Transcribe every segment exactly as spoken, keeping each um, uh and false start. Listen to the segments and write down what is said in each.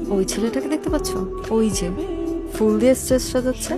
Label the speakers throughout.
Speaker 1: ওই ছেলেটাকে দেখতে পাচ্ছ? ওই যে ফুল দিয়ে স্টেজ সাজাচ্ছে।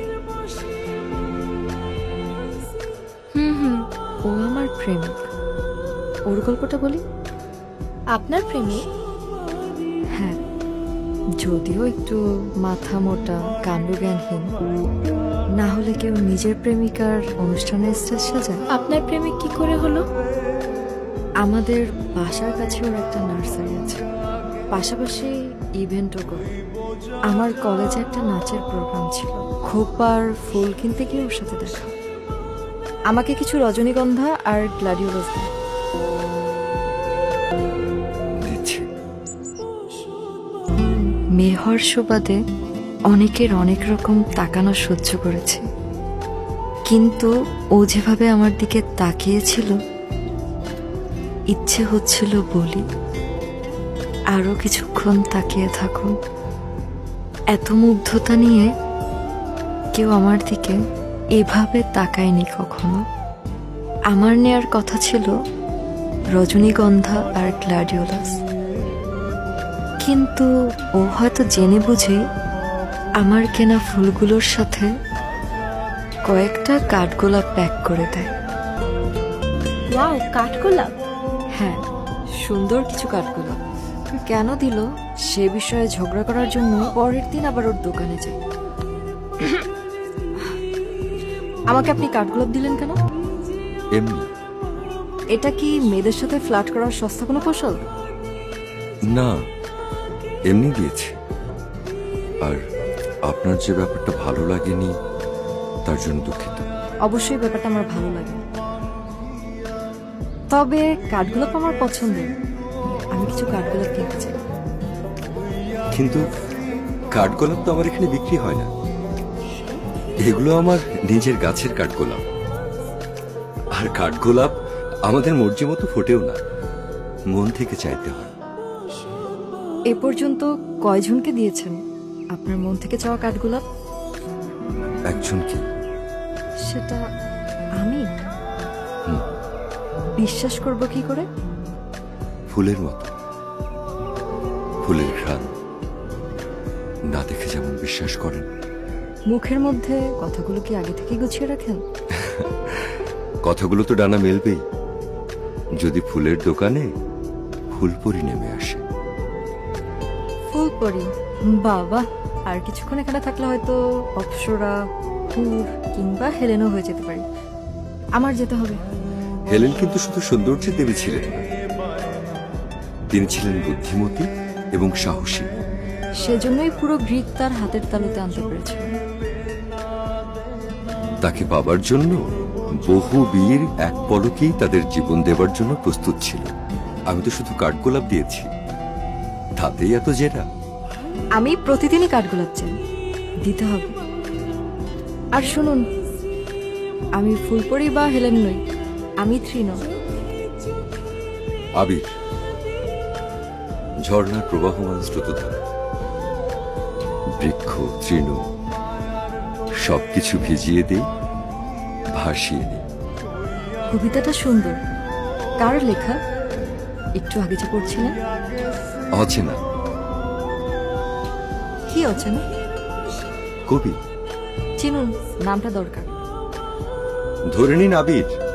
Speaker 1: হুম হুম ও আমার প্রেমিক। ওর গল্পটা বলি।
Speaker 2: আপনার প্রেমিক?
Speaker 1: হ্যাঁ, যদিও একটু মাথা মোটা, কাণ্ডজ্ঞানহীন। না হলে কেউ নিজের প্রেমিকার অনুষ্ঠানের স্টেজ সাজায়?
Speaker 2: আপনার প্রেমিক কি করে হলো?
Speaker 1: আমাদের বাসার কাছে ওর একটা নার্সারি আছে, পাশাপাশি ইভেন্টও করে। আমার কলেজে একটা নাচের প্রোগ্রাম ছিল, খোপার ফুল কিনতে গিয়ে ওর সাথে দেখা। আমাকে কিছু রজনীগন্ধা আর গ্লাডিওলাস দেয়।
Speaker 3: দিচ্ছি।
Speaker 1: মেয়ে হওয়ার সুবাদে অনেকের অনেক রকম তাকানো সহ্য করেছে, কিন্তু ও যেভাবে আমার দিকে তাকিয়েছিল, ইচ্ছে হচ্ছিল বলি আরো কিছুক্ষণ তাকিয়ে থাকুন। এত মুগ্ধতা নিয়ে কেউ আমার দিকে এভাবে তাকায়নি কখনো। আমার নেয়ার কথা ছিল রজনীগন্ধা আর গ্লাডিওলাস, কিন্তু ও হয়তো জেনে বুঝে আমার কেনা ফুলগুলোর সাথে কয়েকটা কাঠগোলাপ প্যাক করে দেয়।
Speaker 2: ওয়াও, কাঠগোলাপ!
Speaker 1: হ্যাঁ, সুন্দর কিছু কাঠগোলাপ। কেন দিল সে বিষয়ে ঝগড়া করার জন্য পরের দিন আবার ওর দোকানে যাই। আমাকে আপনি কাঠগোলাপ দিলেন কেন?
Speaker 3: এমনি।
Speaker 1: এটা কি মেয়েদের সাথে ফ্লার্ট করার সস্তা কোনো কৌশল?
Speaker 3: না, এমনি দিয়েছি। আর আপনার যে ব্যাপারটা ভালো লাগেনি তার জন্য দুঃখিত।
Speaker 1: অবশ্যই ব্যাপারটা আমার ভালো লাগে, তবে কাঠগোলাপ আমার পছন্দের। আমি কিছু কাঠগোলাপ কিনতে চাই।
Speaker 3: কিন্তু কাঠগোলাপ তো আমার এখানে বিক্রি হয় না। এগুলো আমার নিজের গাছের কাঠগোলাপ। আর কাঠগোলাপ আমাদের মর্জি মতো ফোটেও না, মন থেকে চাইতে হয়।
Speaker 1: এ পর্যন্ত কয়জনকে দিয়েছেন আপনার মন থেকে চাওয়া কাঠগোলাপ?
Speaker 3: একজন কি?
Speaker 1: সেটা আমি?
Speaker 3: হুম।
Speaker 1: বিশ্বাস করব কি করে?
Speaker 3: ফুলের মতো, ফুলের ঘ্রাণ না দেখে যেমন বিশ্বাস করেন।
Speaker 1: মুখের মধ্যে কথাগুলো কি আগে থেকে গুছিয়ে রাখেন?
Speaker 3: কথাগুলো তো ডানা মেলবেই যদি ফুলের দোকানে ফুলপরি নেমে আসে।
Speaker 1: ফুলপরি? বাবা, আর কিছুক্ষণ এখানে থাকলে হয়তো অপ্সরা, হুর কিংবা হেলেনও হয়ে যেতে পারি। আমার যেতে হবে।
Speaker 3: হেলেন কিন্তু শুধু সৌন্দর্যের দেবী ছিলেন না, তিনি ছিলেন বুদ্ধিমতী এবং সাহসী।
Speaker 1: সেজন্যই পুরো গ্রিক তার হাতের তালুতে আনতে পেরেছিল।
Speaker 3: তাকে পাবার জন্য বহু বীর এক পলকেই তাদের জীবন দেবার জন্য প্রস্তুত ছিল। আমি তো শুধু কাঠগোলাপ দিয়েছি, তাতেই এত জেরা।
Speaker 1: আমি প্রতিদিনই কাঠগোলাপ চাই, দিতে হবে। আর শুনুন, আমি ফুলপরি বা হেলেন নই, আমি তৃণ।
Speaker 3: আবির, ঝর্ণার প্রবাহমান স্রোতধারা, বৃক্ষ তৃণ সবকিছু ভিজিয়ে দেই, ভাসিয়ে নেই।
Speaker 1: কবিতাটা সুন্দর। কার লেখা? একটু আগে যে পড়ছিলেন।
Speaker 3: অচেনা
Speaker 1: কি অচেনা?
Speaker 3: কবি।
Speaker 1: চিনুন, নামটা দরকার।
Speaker 3: ধরে নিন আবির।